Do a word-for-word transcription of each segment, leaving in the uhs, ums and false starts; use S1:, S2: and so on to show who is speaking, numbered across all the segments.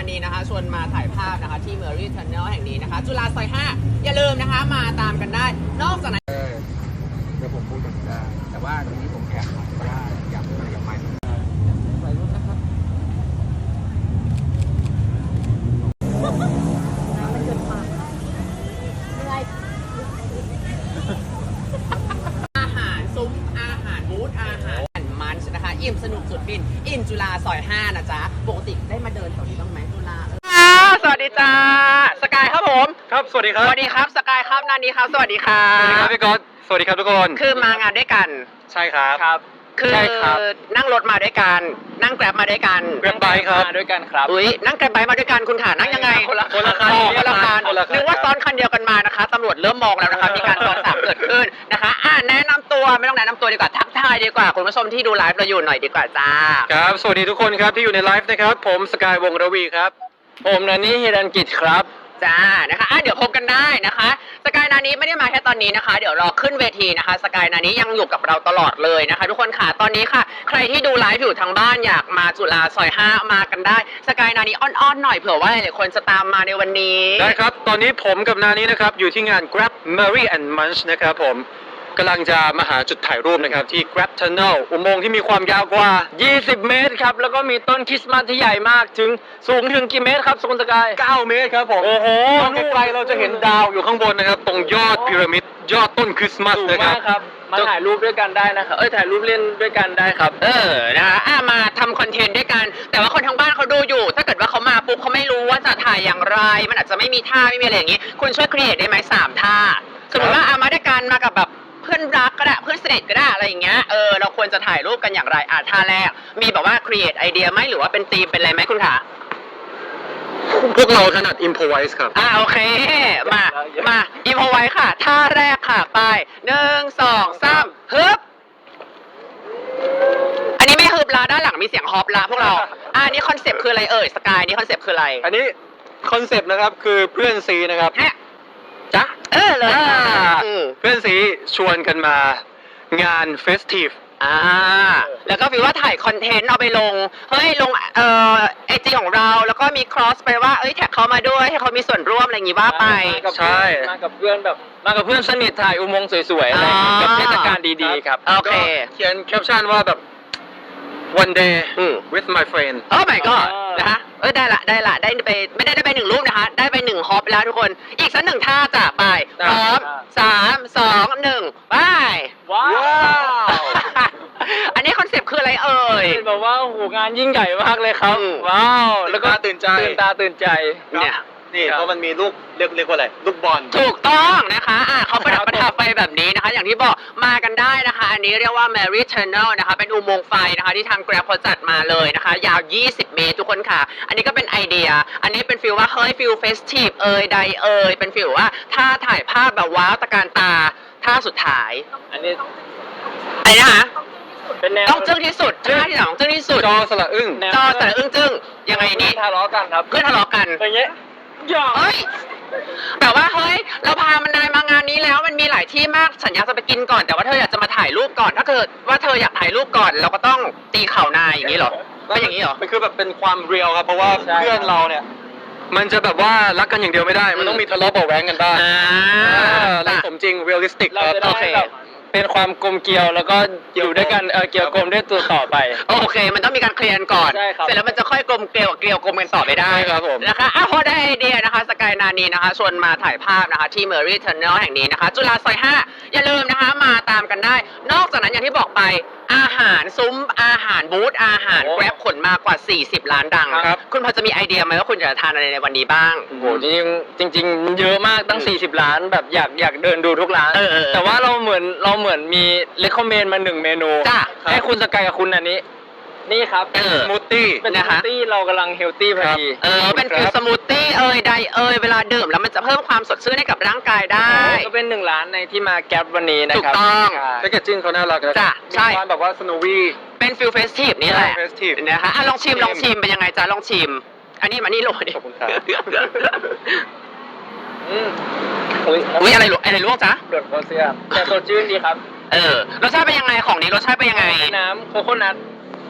S1: นีนะคะชวนมาถ่ายภาพนะคะที่ Merry Tunnel แห่งนี้นะคะจุฬาซอยห้าอย่าลืมนะคะมาตามกันได้นอกจากนั้น
S2: เดี๋ยวผมพูดถึงได้แต่ว่าตรงนี้ผมแอบก็ได้อยากอยากไปไปรุ่นนะครับ
S1: อาหารซุ้มอาหารบูธอาหารมันนะคะอิ่มสนุกสุดฟินอิ่มจุฬาซอยห้านะจ๊ะปกติได้มาเดินแถวนี้บ้างไหมจุฬาสวัสดีจ้าสกายครับผม
S3: ครับสวัสดีครับ
S1: สวัสดีครับสกายครับนานีครับสวัสดีครับ
S3: สวัสดีครับพี่ก๊อตสวัสดีครับทุกคน
S1: คือมางานด้วยกัน
S3: ใช่ครับ
S1: ครับคือนั่งรถมาด้วยกันนั่งแกร็บมาด้วยกัน
S3: แกร็บไบค์ครับ
S1: มาด้วยกันครับอุ้ยนั่งแกร็บไบค์มาด้วยกันคุณขานั่งยังไง
S3: คนละคนละคัน
S1: คนละคันนึกว่าซ้อนคันเดียวกันมานะคะตำรวจเริ่มมองแล้วนะคะมีการซ้อนสามเกิดขึ้นนะคะอ่าแนะนำตัวไม่ต้องแนะนำตัวดีกว่าทักทายดีกว่าคุณผู้ชมที่ดูไลฟ์เราอยู่หน่อยดีกว่าจ้า
S3: ครับสวัสดีทุกคนครับที่อยู่ในไลฟ์นะครับผมสกายวงระวีครับผมนันนี่ฮิรันกิจครับ
S1: จ้านะคะอ่ะเดี๋ยวพบกันได้นะคะสกายนานี้ไม่ได้มาแค่ตอนนี้นะคะเดี๋ยวรอขึ้นเวทีนะคะสกายนานี้ยังอยู่กับเราตลอดเลยนะคะทุกคนค่ะตอนนี้ค่ะใครที่ดูไลฟ์อยู่ทางบ้านอยากมาจุฬาซอยห้ามากันได้สกายนานี้อ้อนๆหน่อยเผื่อว่าหลายคนจะตามมาในวันนี้
S3: ได้ครับตอนนี้ผมกับนานี้นะครับอยู่ที่งาน Grab Merry and Munch นะครับผมกำลังจะมาหาจุดถ่ายรูปนะครับที่ Grab Tunnel อุโมงค์ที่มีความยาวกว่ายี่สิบเมตรครับแล้วก็มีต้นคริสต์มาสที่ใหญ่มากถึงสูงถึงกี่เมตรครับสุนสกายเก้าเมตรครับผมโอ้โหไกลๆเราจะเห็นดาวอยู่ข้างบนนะครับตรงยอดพีระมิดยอดต้นคริสต์มาสนะครับ
S1: มาถ่ายรูปด้วยกันได้นะครับเอ้ยถ่ายรูปเล่นด้วยกันได้ครับเออนะคะอ่ะมาทำคอนเทนต์ด้วยกันแต่ว่าคนทางบ้านเขาดูอยู่ถ้าเกิดว่าเขามาปุ๊บเขาไม่รู้ว่าจะถ่ายอย่างไรมันอาจจะไม่มีท่าไม่มีอะไรอย่างนี้คุณช่วยครีเอทได้ไหมสามท่าสมมติว่าอ่ะมาด้วยกันมากับแบบเพื่อนรักก็ได้เพื่อนสนิทก็ได้อะไรอย่างเงี้ยเออเราควรจะถ่ายรูปกันอย่างไรอ่ะท่าแรกมีแบบว่าครีเอทไอเดียไหมหรือว่าเป็นธีมเป็นอะไรไหมคุณขา
S3: พวกเราถนัด improvise ครับ
S1: อ่าโอเคมามา improvise ค่ะท่าแรกค่ะไปหนึ่งสองสามฮึบอันนี้ไม่ฮึบละด้านหลังมีเสียงฮอปละพวกเราอ่านี่คอนเซปต์คืออะไรเอ่ยสกายนี่คอนเซปต์คืออะไร
S3: อันนี้คอนเซปต์นะครับคือเพื่อนซีนะครับ
S1: จ๊ะเออเลย
S3: เพื่อนสีชวนกันมางานเฟสทีฟ
S1: อ่าแล้วก็วิว่าถ่ายคอนเทนต์เอาไปลงเฮ้ยลงเอ่อไอจีของเราแล้วก็มีครอสไปว่าเอ้ยแท็กเขามาด้วยให้เขามีส่วนร่วมอะไรอย่างงี้ว่าไป
S3: ใช่
S2: มากับเพื่อนแบบมากับเพื่อนสนิทถ่ายอุโมงค์สวยๆอะไรกับเทศกาลดีๆครับ
S1: โอเค
S3: เขียนแคปชั่นว่าแบบ one day with my friend
S1: โอ้ my god นะคะเออได้ละได้ละได้ไปไม่ได้ได้ไปหนึ่งรูปนะคะได้ไปหนึ่งฮอปแล้วทุกคนอีกสักหนึ่งท่าจะไปพร้อมสามสองหนึ่งไป
S2: ว้าว
S1: อันนี้คอนเซปต์คืออะไรเอ่ย
S2: แบบว่าโหงานยิ่งใหญ่มากเลยครับว้าวแล้วก็
S3: ตื่นใจ
S2: ตื่นตาตื่นใจ
S3: เนี่ยนี่เพราะมันมีลูกเรียกเรียกว่าอะไรลูกบอล
S1: ถูกต้องนะคะอ่ะเขาประดับประทับไฟแบบนี้นะคะอย่างที่บอกมากันได้นะคะอันนี้เรียกว่า Merry Tunnel นะคะเป็นอุโมงค์ไฟนะคะที่ทาง Grab เขาจัดมาเลยนะคะยาวยี่สิบเมตรทุกคนค่ะอันนี้ก็เป็นไอเดียอันนี้เป็นฟีลว่าเฮ้ยฟีลเฟสทีฟเอ่ยใดเอ่ยเป็นฟีลว่าถ้าถ่ายภาพแบบว้าวตะการตาท่าสุดท้าย
S2: อันนี้
S1: อะไรนะคะ
S2: เป็นแนว
S1: ต้องจึ้งที่สุดท่าที่สองจึ้งที่สุด
S3: จอสละอึ้ง
S1: จอสละอึ้งจึ้งยังไงนี้
S2: ทะเลาะกันครับ
S1: เพื่อนทะเลาะกัน
S2: อย่างเงี้ย
S1: เฮ้ยแต่ว่าเฮ้ยเราพามันนายมางานนี้แล้วมันมีหลายที่มากฉันอยากจะไปกินก่อนแต่ว่าเธออยากจะมาถ่ายรูปก่อนถ้าเกิดว่าเธออยากถ่ายรูปก่อนเราก็ต้องตีเข่านายอย่างนี้เหรอก็อย่างนี้เหรอ
S3: มันคือแบบเป็นความเรียลครับเพราะว่าเพื่อนเราเนี่ยมันจะแบบว่ารักกันอย่างเดียวไม่ได้มันต้องมีทะเลาะเบาแว้งกันบ้างเราสมจริงเรียลลิสติกครับ
S2: โอเคเป็นความกลมเกลียวแล้วก็อยู่ด้วยกันเออเกลียวกลมด้วยตัวต่อไป
S1: โอเคมันต้องมีการเคลียร์ก่อนเสร็จแล้วมันจะค่อยกลมเกลียวเกลียวกลมกันต่อไปได้
S3: ครับผม
S1: นะคะอ่ะพอได้ไอเดียนะคะสกายนานีนะคะชวนมาถ่ายภาพนะคะที่ Merry Tunnel แห่งนี้นะคะจุฬาซอยห้าอย่าลืมนะคะมาตามกันได้นอกจากนั้นอย่างที่บอกไปอาหารซุ้มอาหารบูธอาหารแกร็บขนมากว่าสี่สิบล้านดังคุณพอจะมีไอเดียไหมว่าคุณจะทานอะไรในวันนี้บ้าง
S2: โอ้โหจริงจริงจริงเยอะมากตั้งสี่สิบล้านแบบอยากอยากเดินดูทุกร้านแต่ว่าเราเหมือนเราเหมือนมีเลคคอมเมนต์มาหนึ่งเมนูให้คุณสกายกับคุณอันนี้นี่ครับ
S3: สมูทตี้
S2: เป็นสมูทตี้เรากำลังเฮลตี้พอดี
S1: เออเป็นฟิลสมูทตี้เอ่ยใดเอ่ยเวลาดื่มแล้วมันจะเพิ่มความสดชื่นให้กับร่างกายได้
S2: ก็เป็นหนึ่งร้านในที่มาแก๊ปวันนี้นะ
S1: ค
S2: รับ
S1: ถูกต้อง
S3: แพคเกจจิ้งเขาน่ารักนะ
S1: จ้ะใช่
S3: แบบว่าสโนวี่
S1: เป็นฟิลเฟสทีฟนี่แหละนะคะอ่ะลองชิมลองชิมเป็นยังไงจ๊ะลองชิมอันนี้มานี่โรย
S3: ขอบคุณครับ
S1: อืมอุ้ยอะไรลวกอะไรลวกจ๊ะ
S2: เดือดโคเซียแต่สดชื่นดีครับ
S1: เออรสชาติเป็นยังไงของนี้รสชาติเป็นยังไง
S2: น้ำโคโคนัท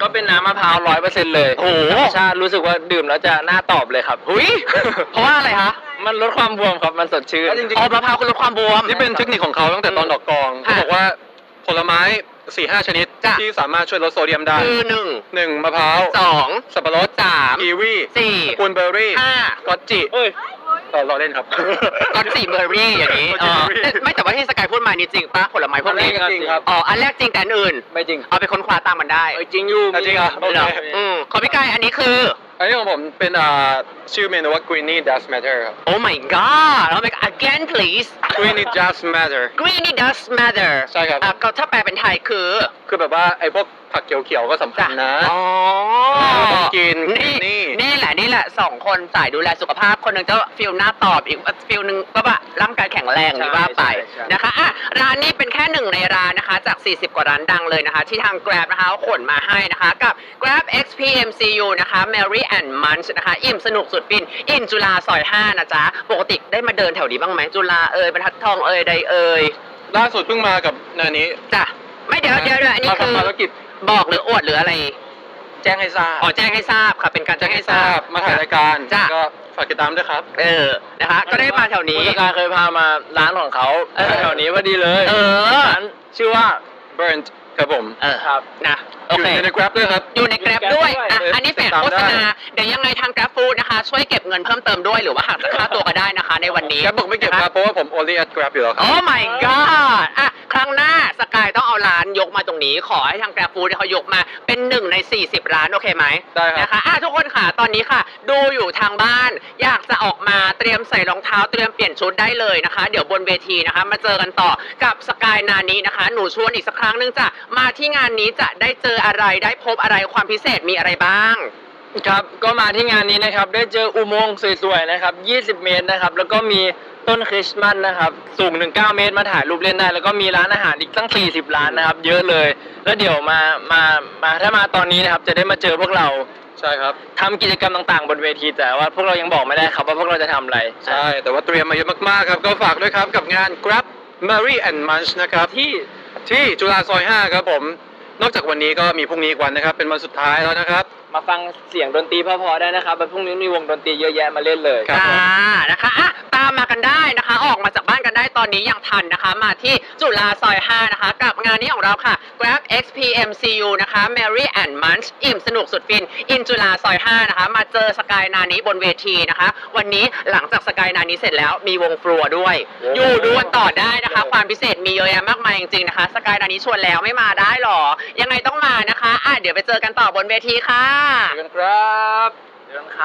S2: ก็เป็นน้ำมะพร้าวร้อยเปอร์เซ็นต์เลย
S1: โอ้โห
S2: ธรรมชาติรู้สึกว่าดื่มแล้วจะน่าตอบเลยครับ
S1: หุยเพราะว่าอะไรคะ
S2: มันลดความบวมครับมันสดชื่น
S3: แล้วจริง
S1: อ๋อมะพร้าวคือลดความบวม
S3: ๆที่เป็นเทคนิคของเขาตั้งแต่ตอนดอกกองเขา
S1: ค่ะ
S3: บอกว่าผลไม้สี่ห้าชนิด
S1: จ้ะ
S3: ที่สามารถช่วยลดโซเดียมได้
S1: คือหนึ่ง
S3: หนึ่งมะพร้าว
S1: สอง
S3: สับปะรด
S1: สาม
S3: กีวี
S1: สี่
S3: สกุลเบอร์รี่
S1: ห้า
S3: ก็อตจิ
S2: เอ้ย
S3: เออรอเล่นครับ
S1: ก็สี่เบอร์รี่อย่างนี้
S3: ก็
S1: เอ
S3: สี่
S1: อ
S3: เบอร์รี่
S1: ไม่แต่ว่าที่สกายพูดมานี่จริงปะผลไม้พวกนี้
S3: จริงครับ
S1: อ๋ออันแรกจริงแต่อันอื่น
S2: ไม่จริง
S1: เอาไปค้นคว้าตามมันได้
S2: เอ้ยจริงอยู่
S3: อ่ะจริงเหรอโอเค
S1: เหรออืมของพี่กายอันนี้คือ
S3: อันนี้ของผมเป็นอ่าชื่อเมนูว่า Greeny Does Matter ครับ
S1: Oh my god แล้ว make again please
S3: Greeny Does Matter
S1: greeny does matter
S3: ใช่ครับ
S1: อ่ะก็ถ้าแปลเป็นไทยคือ
S3: คือแบบว่าไอ้พวกผักเขียวๆก็สำคัญนะ
S1: อ๋อ
S3: ต้องกิน
S1: นี่
S3: นี่
S1: นี่แหละนี่แหละสองคนสายดูแลสุขภาพคนหนึ่งจะฟิลหน้าตอบอีกฟิลหนึ่งก็แบบร่างกายแข็งแรงนี่ว่าไป
S2: ใช่ใช่
S1: นะคะอ่ะร้านนี้เป็นแค่หนึ่งในร้านนะคะจากสี่สิบกว่าร้านดังเลยนะคะ ที่ทาง Grab นะคะเขาขนมาให้นะคะกับ Grab เอ็กซ์ พี เอ็ม ซี ยู นะคะ Mary and Munch นะคะอิ่มสนุกสุดฟินอินจุฬาซอยห้านะจ๊ะปกติได้มาเดินแถวนี้บ้างไหมจุฬาเอ่ยบรรทัดทองเอ่ยใดเอ่ย
S3: ล่าสุดเพิ่งมากับนานี้
S1: จ้ะไม่เดี๋ยวเดี๋ยวเดี๋ยวอันนี้
S3: มา
S1: คือ
S3: ทำภารกิจ
S1: บอกหรืออวดหรืออะไร
S3: แจ้งให้ทราบ
S1: อ๋อแจ้งให้ทราบค่ะเป็นการแจ้งให้ทราบ
S3: มาถ่ายรายการ
S1: จ้ะ
S3: ก็ฝากติดตามด้วยครับ
S1: เออนะคะ ก็ได้มาแถวนี้
S2: ผู้จัดการเคยพามาร้านของเขา
S1: เออ
S2: แถวนี้พอดีเลย
S1: เออ
S2: ร้านชื่อว่า
S3: Burnt ครับผม
S1: เออ
S2: ครับ
S1: นะโอ
S3: อยู่
S1: เค
S3: ใน Grab ด้วยครับ
S1: อยู่ใน Grab ด้วยอ่ะ
S3: เออ
S1: อันนี้แฝง
S3: ติดตาม
S1: โฆษณา
S3: ได้
S1: เดี๋ยวยังไงทาง Grab Food นะคะ ช่วยเก็บเงินเพิ่มเติมด้วยหรือว่าหักจากค่าตัวก็ได้นะคะ ในวันนี้
S3: แกบอกไม่เก็บ
S1: นะ
S3: ค
S1: คะ
S3: รับเพราะว่าผม only at Grab อยู่แล้วครับ
S1: โอ้ my god อ่ะครั้งหน้าสกายต้องเอาร้านยกมาตรงนี้ ขอให้ทาง Grab Food เขายกมาเป็นหนึ่งในสี่สิบร้านโอเคไหม
S3: ได้ครับ
S1: นะคะอ่ะทุกคนค่ะตอนนี้ค่ะ ดูอยู่ทางบ้าน อยากจะออกมาเตรียมใส่รองเท้าเตรียมเปลี่ยนชุดได้เลยนะคะ เดี๋ยวบนเวทีนะคะ มาเจอกันต่อกับสกายนานี้นะคะ หนูชวนอีกสักครั้งหนึงจะมาที่งานนี้จะได้เจออะไรได้พบอะไรความพิเศษมีอะไรบ้าง
S2: ครับก็มาที่งานนี้นะครับได้เจออุโมงค์สวยๆนะครับยี่สิบเมตรนะครับแล้วก็มีต้นคริสต์มาสนะครับสูงถึงเก้าเมตรมาถ่ายรูปเล่นได้แล้วก็มีร้านอาหารอีกตั้งสี่สิบร้านนะครับเยอะเลยแล้วเดี๋ยวมามามาถ้ามาตอนนี้นะครับจะได้มาเจอพวกเรา
S3: ใช่ครับ
S2: ทำกิจกรรมต่างๆ บนเวทีแต่ว่าพวกเรายังบอกไม่ได้ครับว่าพวกเราจะทำอะไร
S3: ใช่ แต่ว่าเตรียมมาเยอะมากๆครับ ก็ฝากด้วยครับกับงาน Grab Mary and Munch นะครับ
S2: ที่
S3: ที่จุฬาซอยห้าครับผม นอกจากวันนี้ก็มีพรุ่งนี้อีกวันนะครับ เป็นวันสุดท้ายแล้วนะครับ
S2: มาฟังเสียงดนตรีเพอๆได้นะครับวันพรุ่งนี้มีวงดนตรีเยอะแยะมาเล่นเลย
S3: ครับ
S1: อ่านะคะอ่ะตามมากันได้นะคะ ออกมาจากบ้านกันได้ตอนนี้ยังทันนะคะ มาที่จุฬาซอยห้านะคะ กับงานนี้ของเราค่ะ Grab เอ็กซ์ พี เอ็ม ซี ยู นะคะ Mary and Munch อิ่มสนุกสุดฟิน อินจุฬาซอยห้านะคะ มาเจอสกายนานี้บนเวทีนะคะ วันนี้หลังจากสกายนานี้เสร็จแล้วมีวงฟลัวด้วย
S2: โอ้
S1: อยู่ดูกันต่อได้นะคะ ความพิเศษมีเยอะแยะมากมายจริงๆนะคะสกายนานี้ชวนแล้วไม่มาได้หรอ ยังไงต้องมานะคะอ่ะเดี๋ยวไปเจอกันต่อบนเวทีค่ะ
S3: เจอกันครับ
S2: เดี๋ยวครับ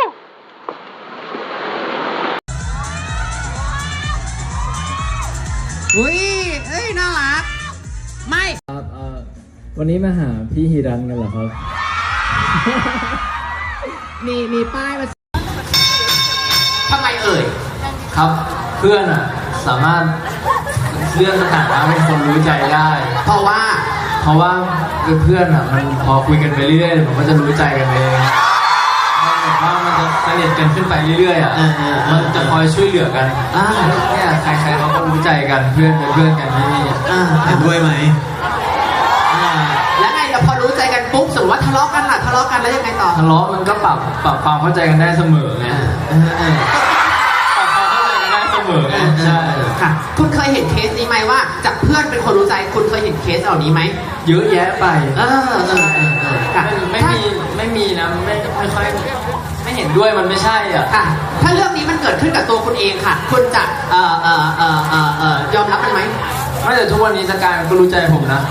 S4: อุ้ย เอ้ย น่ารัก ไม่
S5: ครับเอ่อวันนี้มาหาพี่ฮิรันกันเหรอครับ
S4: มี มีป้ายมา
S6: ทำไมเอ่ย ครับเพื่อนอ่ะสามารถเลื่อนสถานะเป็นคนรู้ใจได้
S4: เพราะว่า
S6: เพราะว่าเพื่อนอ่ะมันพอคุยกันไปเรื่อยๆมันก็จะรู้ใจกันเองมันแบบว่ามันจะสนิทกันขึ้นไปเรื่อยๆอ่ะ
S4: เออเออเออ
S6: มันจะคอยช่วยเหลือกัน
S4: อ่า
S6: เนี่ยใครๆเขาก็รู้ใจกันเพื่อนเป็นเพื่อนกันที่นี่
S4: อ่า
S6: เห็นด้วยไหม
S4: อ่าแล้วไงเราพอรู้ใจกันปุ๊บสมมติว่าทะเลาะกันล่ะทะเลาะกันแล้วยังไงต่อ
S6: ทะเลาะมันก็ปรับปรับความเข้าใจกันได้เสมอไง
S4: เออเออ
S6: ปรับความเข้าใจกันได้เสมอไงใช่
S4: ค่ะ คุณเคยเห็นเคสนี้ไหมว่า จากเพื่อนเป็นคนรู้ใจ คุณเคยเห็นเคสเหล่านี้ไหม
S6: เยอะแยะไป
S4: เออเออเออเออค่ะ
S6: ไม่ไม่มีไม่มีนะไม่ไม่ค่อยไม่เห็นด้วยมันไม่ใช่อ่ะ
S4: ค่ะ ถ้าเรื่องนี้มันเกิดขึ้นกับตัวคุณเองค่ะ คุณจะ เอ่อเอ่อเอ่อเอ่อเอ่อยอมรับมันไหม
S6: ไม่แต่ทุกวันนี้สกายมันก็รู้ใจผมนะ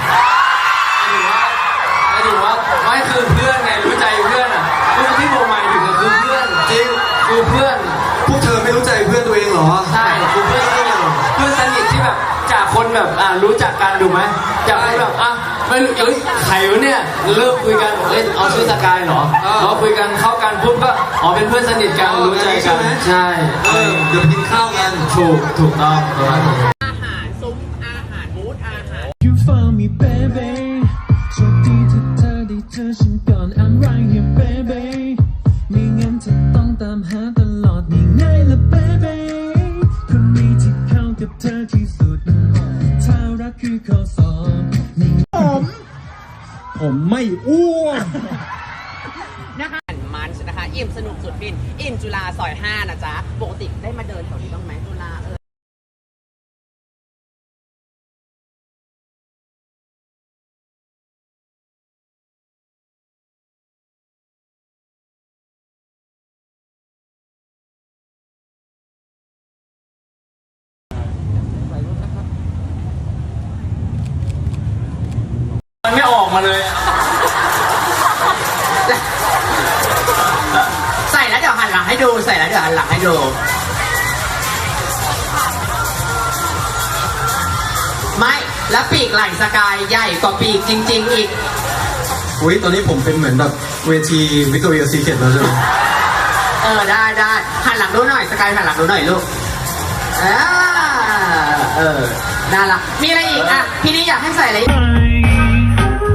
S6: หมายถึงว่าหมายถึงว่าไม่คือเพื่อนไงรู้ใจเพื่อนอ่ะคือที่ผมหมายถึงก็คือเพื่อนจริงคือเพื่อน
S7: พวกเธอไม่รู้ใจเพื่อนตัวเองเหรอ
S6: ใช่คือเพื่อนที่เพื่อนสนิทที่แบบจากคนแบบอ่ารู้จักกันถูกไหมจากคนแบบอ่ะไม่รู้เอ้ยใครวะเนี่ยเริ่มคุยกันเอ้ยเอาชื่อสกายเหรอ
S7: เออ
S6: พอคุยกันเข้ากันปุ๊บก็อ๋อเป็นเพื่อนสนิทกัน
S7: เออ
S6: รู้ใจ
S7: ใช่
S6: กัน
S7: ไหม
S6: ใช่
S7: เออเดี๋ยวกินข้าวกัน
S6: ถูกถูกต้องประมาณนี้
S1: อาหารซุ้มอาหารบูธอาหาร
S5: You found me baby โชคดีที่เธอได้เจอฉันก่อน I'm right here baby ไม่งั้นเธอต้องตามหาตลอดนี่ไงล่ะ baby คนนี้ที่เข้ากับเธอที่สุดถ้ารักคือข้อสอบนี่ผม ผมไม่อ้วน
S4: อิ่มสนุกสุดฟินอิ่มจุฬาซอยห้านะจ๊ะปกติได้มาเดินแถวนี้บ้างไหมจุฬาเออ
S6: มันไม่ออกมาเลย
S4: ใส่แล้วเดี๋ยวหันหลังให้ดูใส่แล้วเดี๋ยวหันหลังให้ดูไม่แล้วปีกไหล่สกายใหญ่กว่าปีกจริง ๆ อีก
S7: อุ้ยตอนนี้ผมเป็นเหมือนแบบเวทีวิกตอเรียซีเคทแล้วใช่ไหม
S4: เออได้ได้หันหลังดูหน่อยสกายหันหลังดูหน่อยลูกอ่าเออน่ารักมีอะไรอีกอ่ะพี่นี้อยากให้ใส่อะไรอีก
S5: ไป